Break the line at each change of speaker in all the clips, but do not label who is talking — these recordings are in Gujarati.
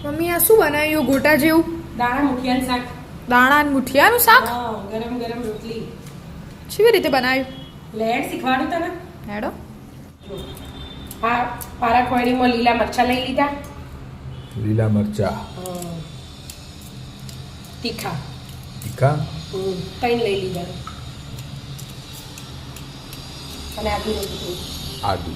મમ્મી આ શું બનાવ્યું ગોટા જેવું?
દાણા મુઠિયાનું શાક.
દાણા અને મુઠિયાનું શાક?
હા, ગરમ ગરમ રોટલી.
કેવી રીતે બનાવ્યું?
લેડ શીખવાડું તને.
હેડો.
આ પારા કોયડીમાં લીલા મરચાં લઈ લીધા.
લીલા મરચા
તીખા
તીખા
3 લઈ લીધા. અને આદુનું ટુકડું.
આદુ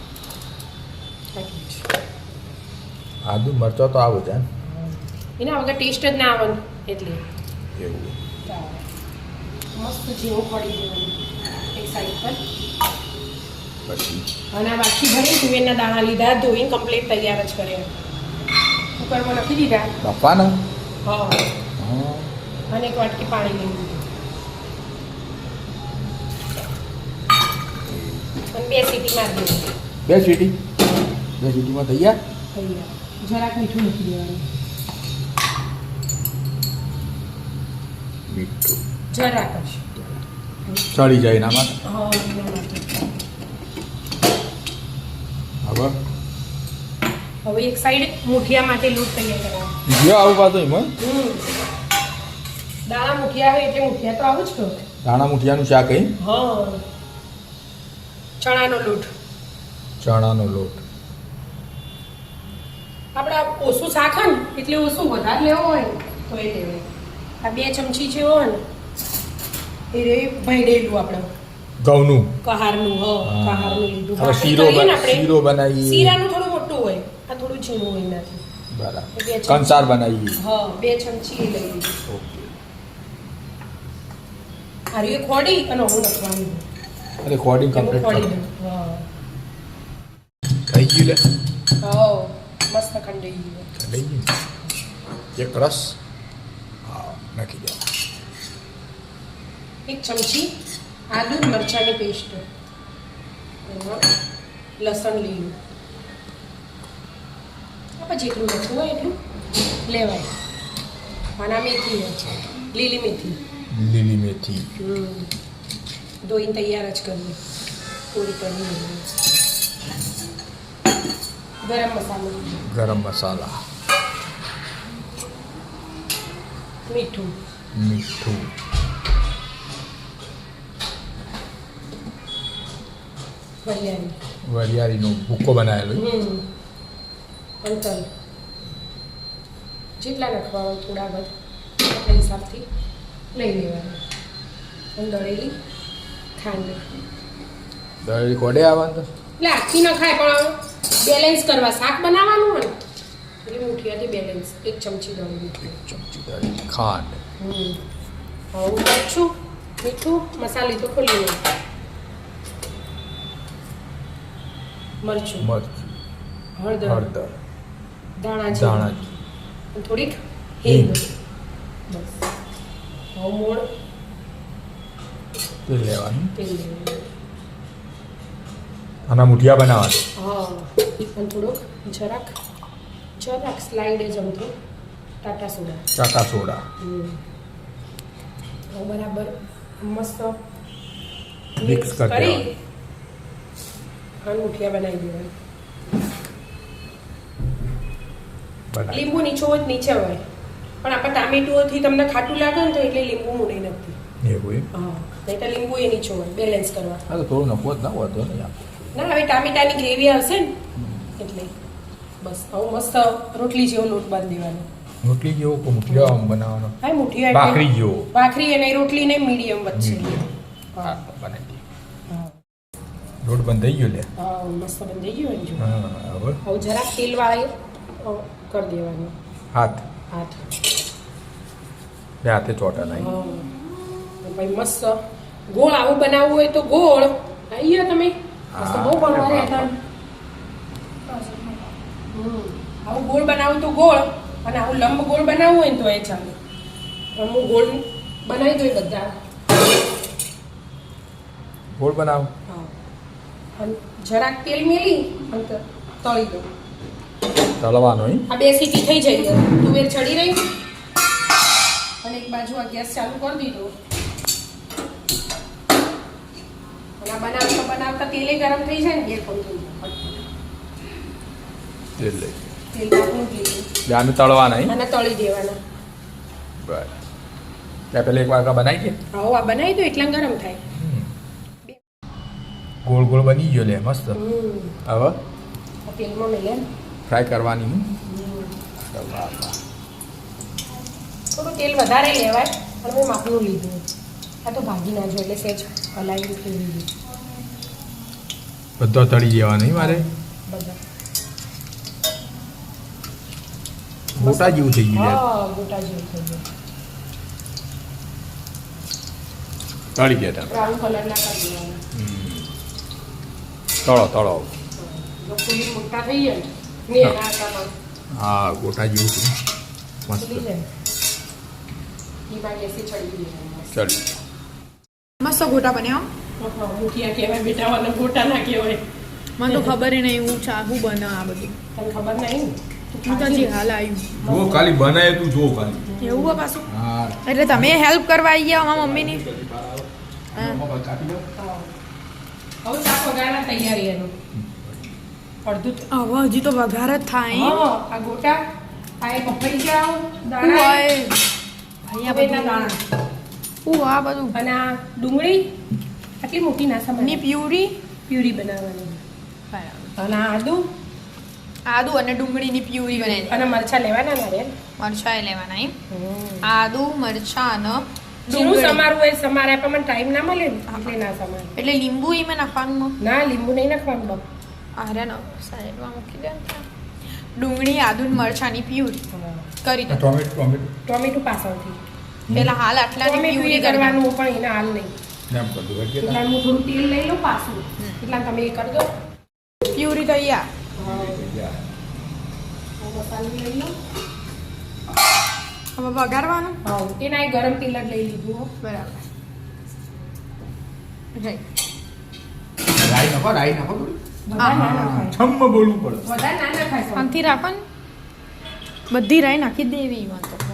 આદુ મરચા તો આવે છે
એના વગર ટેસ્ટ જ ના આવે એટલે
એવું
મસ્ત જીરું પડી દેવાનું એક સાઈડ પર.
પછી
અને આ બાકી ભરી તુવેરના દાણા લીધા, ધોઈને કમ્પ્લીટ તૈયાર જ કર્યા. કુકરમાં નાખી દીધા.
બાપાના
હા,
હા
અને એક વાટકી પાણી લઈ લીધું અને 2 સીટી મારી દીધી.
બે સીટીમાં થઈ ગયા.
તૈયાર. જરાક મીઠું મૂકી દેવાનું.
મીઠું
જરાક જ.
ચડી જાય એના માટે.
હા, એના માટે. હવે એક સાઈડ મુઠિયા માટે લોટ તૈયાર કરવાનો.
બીજો આવું પાછું એમાં
દાણા મુઠિયા હોય એટલે મુઠિયા તો આવું જ કહો.
દાણા મુઠિયાનું શાક અહીં.
હા, ચણાનો લોટ.
ચણાનો લોટ
આપણે ઓછું શાક હોય ને એટલે ઓછું વધારે લેવો હોય તો એ લેવાય. આ 2 ચમચી જેવો હોય ને એ રે ભેળેલું આપણે
ઘઉંનું
કહારનું. કહારનું લીધું.
હવે શીરો બનાવીએ.
શીરાનું થોડું મોટું હોય, આ થોડું ઝીણું હોય એનાથી.
બરાબર. કંસાર બનાવીએ.
હા, 2 ચમચી એ લઈ લીધું.
ઓકે.
હારી ખોડી અને હું નાખવાનું.
અરે કોડિંગ
ખોડી
કમ્પ્લીટ
દઉં. હા,
થઈ ગયું લે.
હા, મસ્ત ખંડાઈ ગયું.
થઈ ગયું. એક રસ હા નાખી દો.
1 ચમચી આદુ મરચાંની પેસ્ટ, લસણ લીલું. આપણે જેટલું લખવું હોય એટલું લેવાય. અને મેથી હોય, લીલી મેથી.
લીલી મેથી
ધોઈને તૈયાર જ કરવી. પૂરી કરવી. ગરમ મસાલો,
ગરમ મસાલા,
મીઠું,
મીઠું,
વરિયાળી,
વરિયાળીનો ભૂકો બનાવેલો.
અને તલ. જેટલા નાખવા હોય થોડા બધા આપણા હિસાબથી લઈ લેવાનું. અને દળેલી ખાંડ.
દળી કોડે આવવાનું.
એટલે આખી ન ખાય પણ બેલેન્સ કરવા. શાક બનાવવાનું હોય ને એટલે મુઠિયાથી બેલેન્સ. 1 ચમચી દળેલી.
1 ચમચી દળી ખાંડ.
હવે મરચું, મીઠું, મસાલી તો ખોલી લો. મરચું,
મરચું,
હળદર, દાણા
ધાણા,
થોડીક હિંગ. બસ. હવે મોણ
તેલ લેવાનું.
તેલ લેવાનું.
આના મુઠિયા બનાવવાના.
હા, અને થોડોક જરાક સ્લાઇડ જ અમથો ટાટા સોડા.
ચાકા સોડા.
હવે બરાબર મસ્ત
મિક્સ કરી
અને મુઠિયા બનાવી દેવાના.
બનાવી.
લીંબુ નીચે હોય નીચે હોય, પણ આપણે ટામેટુઓથી તમને ખાટું લાગે ને તો એટલે લીંબુ મૂડી નથી.
એવું એમ.
હા, નહીં તો લીંબુ એ નીચે હોય બેલેન્સ કરવા.
હા તો થોડું નફો જ ના હોતો ને યાર.
ના, હવે ટામેટાની ગ્રેવી આવશે ને એટલે બસ આવું મસ્ત રોટલી જેવો લોટ બાંધી દેવાનો.
રોટલી જેવો કે મુઠિયા આમ બનાવવાનો.
હા, મુઠિયા
ભાખરી જેવો.
ભાખરી અને રોટલી ને મીડિયમ વચ્ચે.
હા બનાવી દઈએ.
હા,
લોટ બંધાઈ ગયો લે.
હા, મસ્ત બંધાઈ ગયું ને જો.
હા હવે
હવે જરાક તેલ વાળી કરી દેવાનું.
હાથ
હાથ.
બે હાથે ચોટા નાખી.
હા, ભાઈ મસ્ત ગોળ આવું બનાવવું હોય તો ગોળ આવી ગયો તમે. મસ્ત બહુ બનવા હતા. આવું ગોળ બનાવું તો ગોળ, અને આવું લંબ ગોળ બનાવવું હોય ને તો એ ચાલે. પણ હું ગોળ બનાવી દઉં બધા.
ગોળ બનાવ.
હા, અને જરાક તેલ મેલી અને તળી દઉં.
તળવાનો અહીં.
આ 2 સીટી થઈ જાય. તુવેર ચડી રહી અને એક બાજુ આ ગેસ ચાલુ કરી દીધો. અને આ બનાવતા તેલે ગરમ થઈ જાય ને 2 કોણ થઈ જાય.
તેલ લઈ
તેલ નાખવું લીધું
આને તળવા નહીં
અને તળી દેવાના.
બરાબર ત્યાં પેલા એક વાર બનાવી દે
હવે આ બનાવી દો એટલા ગરમ થાય.
ગોળ ગોળ બની ગયો લે મસ્ત હવે
આ તેલમાં મેલે
ફ્રાય કરવાની
થોડું તેલ વધારે લેવાય પણ મેં માપનું લીધું. આ તો ભાગી ના જો એટલે સહેજ હલાવી લીધું
બધો તળી દેવા નહીં મારે
બધા.
ગોટા જેવું થઈ ગયું યાર.
હા ગોટા જેવું થઈ ગયું.
તળી ગયા તમે
બ્રાઉન કલરના કરી દેવાના.
તળો તળો
જો ફૂલી મોટા થઈ જાય ને એના આટામાં
હા ગોટા જેવું છે મસ્ત
ફૂલી જાય એમાં ગેસે ચડી દેવાના.
ચડી
મસ્ત ગોટા બન્યા
મુઠિયા કહેવાય બેટા અને ગોટા ના કહેવાય.
મને તો ખબર નહીં હું ચાહું બના આ બધું
તને ખબર નહીં
હું તો હજી હાલ આવ્યું
જો ખાલી બનાય તું જો ખાલી
એવું હોય પાછું
હા
એટલે તમે હેલ્પ કરવા આવી ગયા અમારા મમ્મીની
કાપી દો
હવે શાક વગાડવા તૈયારી એનું અડધું
હવે હજી તો વઘાર જ થાય
હા આ ગોટા આ એક પપૈયા જાવ
હું
દાણા
હોય ભાઈ આ
પપૈયાના
બધું
દાણા
હું આ બધું
અને આ ડુંગળી આટલી મોટી ના
ની
સમય
પ્યુરી
પ્યુરી બનાવવાની
બરાબર
અને આ
આદુ અને ડુંગળીની પ્યુરી બનાવી
અને મરચાં લેવાના નારિયેળ
મરચાં લેવાના એમ આદુ મરચાં અને
જીરું
ડુંગળી.
સમારવું હોય સમારે પણ મને ટાઈમ ના મળે ને એટલે ના સમારે
એટલે લીંબુ એમાં નાખવાનું
ના લીંબુ નહીં નાખવાનું બાપ
અરે નો સાઈડમાં મૂકી દે ડુંગળી આદુ ને મરચાંની પ્યુરી કરી દો
ટોમેટો ટોમેટો
ટોમેટું પાછળથી
પેલા હાલ આટલાની
ટોમેટું
પ્યુરી
એ
કરવાનું
કરવાનું પણ એને હાલ નહીં
એમ કર દો
એટલે હું થોડું તેલ લઈ લઉં પાછું એટલે તમે એ કરી દો
પ્યુરી તૈયાર
મસાલો લઈ લો
હવે વઘારવાનું
હા એના એ ગરમ તેલ જ લઈ લીધું હો.
બરાબર right.
રાઈ નાખો થોડી
વધારે ના નખાય
છમ્મ બોલવું પડે
વધારે ના નખાય સૌ.
શાંતિ રાખો ને બધી રાઈ નાખી દેવી એમાં તો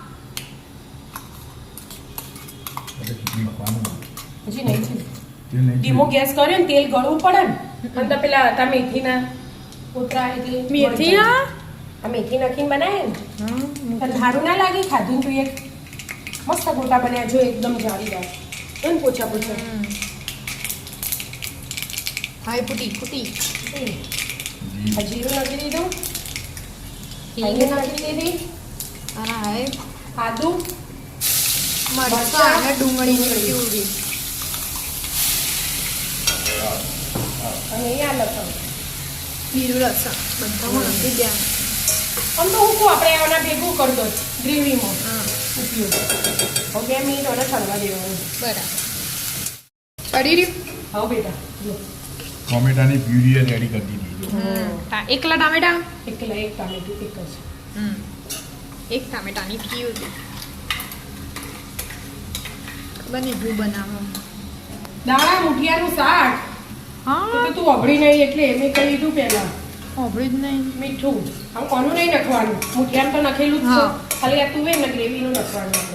હજી નહીં છે
તેલ નહીં
ધીમો ગેસ કર્યો ને તેલ ગળવું પડે ને અને તો પેલા હતા મેથીના કોતરા એટલે
મેથી
આ મેથી નાખીને બનાવે ને પણ ધારું ના લાગે ખાધું ને જોઈએ મસ્ત ગોટા બન્યા જો એકદમ જાળીદાર એમ પોચા પોચા
હાય ફૂટી
આ જીરું નાખી દીધું હિંગ નાખી દીધી
અને હાય
આદુ
મરચાં અને ડુંગળીની પ્યુરી
અને અહીંયા લસણ
લીલું લસણ બધામાં નાખી દેવાનું
આમ તો હું કહું આપણે આના ભેગું કરી દો ગ્રેવીમાં
હા
ઉપયોગ હવે 2 મિનિટ ઓને ચડવા દેવાનું
બરાબર ચડી રહ્યું
હા બેટા જો
ટોમેટાની પ્યુરી રેડી કરી દીધી
એકલા ટામેટા
એકલા એક ટામેટું એક જ
એક ટામેટાની પ્યુરી ખબર નહીં હું બનાવું
દાણા મુઠિયાનું શાક
હા
તો તું અભડી નહીં એટલે મેં કહી દીધું પહેલા
સાંભળ્યું જ નહીં
મીઠું આમ કોનું નહીં નાખવાનું મુઠિયામાં તો નખેલું જ છે
હા.
ખાલી આ તુવેર ને ગ્રેવીનું નાખવાનું આપણે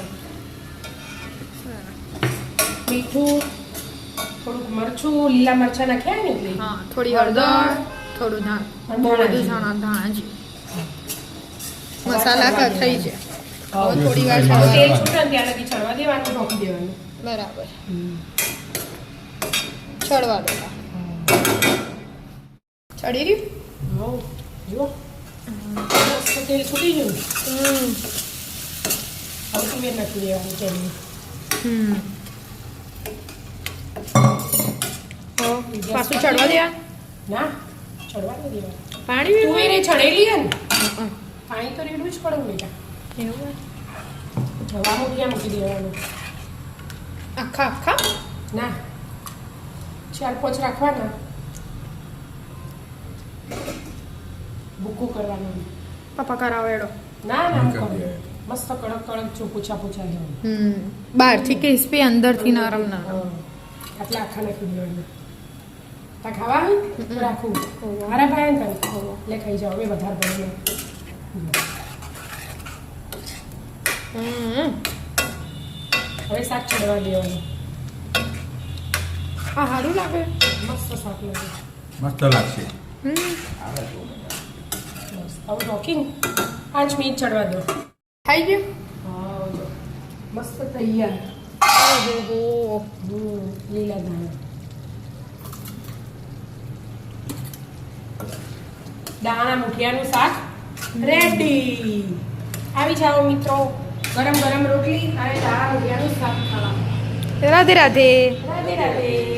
મીઠું થોડુંક મરચું લીલા મરચાં નાખ્યા ને એટલે
હા થોડી હળદર થોડું ધાણ
અને
બહુ બધું
ધાણા
ધાણા જી મસાલા થઈ છે હવે થોડી વાર
હવે
ચડવા
તેલ
દેવાનું.
છૂટે ને ત્યાં લગી ચડવા દેવાનું ઢોકી દેવાનું
બરાબર ચડવા દો ચડી રહ્યું
હઉ, જુઓ મસ્ત તેલ છૂટી ગયું હવે તુવેર નાખી દેવાની તેલની
પાછું ચડવા દેવા
ના ચડવા નહીં દેવાનું
પાણી
તુવેર એ ચડેલી હે ને પાણી તો રેડવું જ પડે ને બેટા
એવું
જવા મૂક્યા મૂકી દેવાનું
આખા આખા
ના 4-5 રાખવાના ભૂકું કરવાનું
પપ્પા કરાવો એડો
ના ના
કરી
કરો.
દે.
મસ્ત કડક કડક જો પૂછા પૂછા જેવું
બહારથી ક્રિસ્પી અંદરથી નરમ નરમ
આટલા આખા નાખી દેવાના તા ખાવા હોય તો રાખું મારા ભાઈ ને તને લે ખાઈ જાઓ મેં વધારે ભરીને હવે શાક ચડવા દેવાનું
આ સારું લાગે
મસ્ત શાક લાગે
મસ્ત લાગશે
હમ
આવે તો
મસ્ત હવે ઢોકીને 5 મિનિટ ચડવા દો.
થઈ ગયું.
હા જો મસ્ત તૈયાર.
ઓહો.
લીલા ધાણા. દાણા મુઠિયાનું શાક રેડી. આવી જાઓ મિત્રો, ગરમ ગરમ રોટલી અને દાણા મુઠિયાનું શાક ખાવા.
રાધે રાધે.
રાધે રાધે.